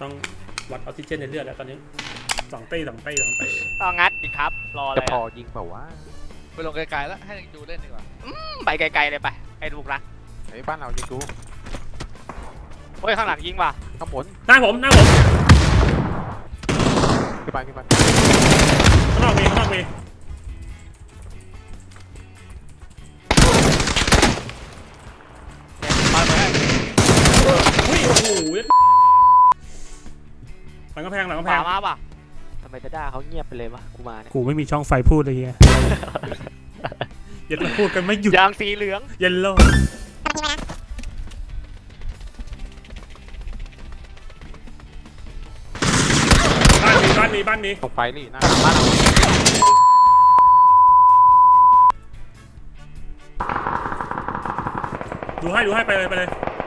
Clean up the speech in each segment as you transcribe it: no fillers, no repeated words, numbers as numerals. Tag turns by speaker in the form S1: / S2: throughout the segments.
S1: ต้องวัดออกซิเจนในเลือดแล้วตอนนี้2 เต้
S2: ก็งัดอีกครับรออะไร
S3: จะพอยิงเปล่าวะ
S4: ไปลงไกลๆแล้วให้ดูเล่นดีกว่า
S2: ไปไกลๆเลยไปไอ้ลูกรัก
S3: ไอ้บ้านเรายิงกู
S2: โอ้ยข้างหลังยิงว่ะ
S3: ข้างบน
S1: หน้าผม
S3: ขึ้นไป
S1: ข้างนอกมี
S2: มาเลย
S1: อุ้ยโอ้โหหลังกำแพง
S2: ขวามาป่ะ
S5: ทำไมจะด่าเขาเงียบไปเลยวะกูมาเนี่ย
S1: กูไม่มีช่องไฟพูดเลยเฮียอย่าพูดกันไม่หยุด
S2: ยางสีเหลือง
S1: เยลโล่บ้านนี้
S3: ตรงไฟนี่หน้า
S2: บ้านเรา
S1: ดูให้ไปเลย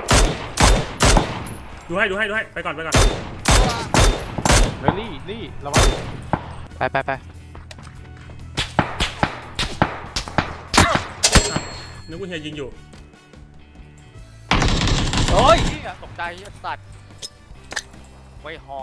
S1: ดูให้ไปก่อน
S3: เฮ้ยลี่ระวัง
S5: ไป
S1: นึกว่าเฮียยิงอยู่
S2: โอ้ยตกใจสัตว์ไว้หอก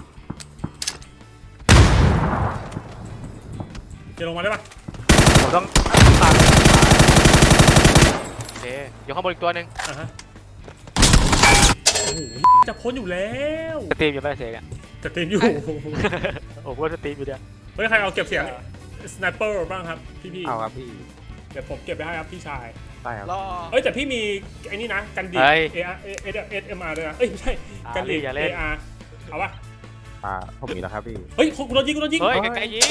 S1: จะลงมาได้ปะ
S2: ผมต้องตัดโอเคอยู่ข้างบนอีกตัวหนึ่ง
S1: อ่ะฮะโอ้โหจะพ้นอยู่แล้ว
S5: สตรีมอยู่ไปเสกอะ
S1: จะตีนอยู่
S5: โอ้โหสตรีมอยู่เนี่ย
S1: เฮ้ยใครเอาเก็บเสียงสไนเปอร์บ้างครับพี่
S3: เอาครับพี่
S1: เดี๋ยวผมเก็บไปให้ครับพี่ชาย
S3: ได้ครับ
S4: รอ
S1: เอ้ยแต่พี่มีไอ้นี่นะกันดี AR ด้วยนะเอ้ยไม่ใช่กันดี AR เอาปะ
S3: ผมมีแล้วครับพี่
S1: เฮ้ยกูโดนยิง
S2: เฮ้ยไกลๆยิง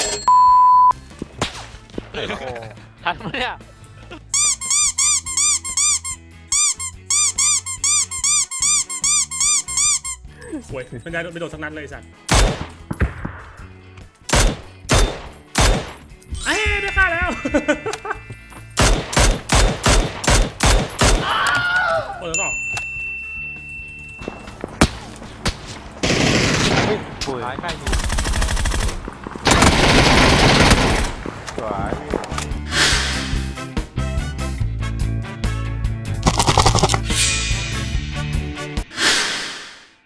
S2: ทันไหมเนี่ย
S1: สวยไม่ได้ไม่โดนสักนัดเลยสัตว์เอ้ยได้ฆ่าแล้ว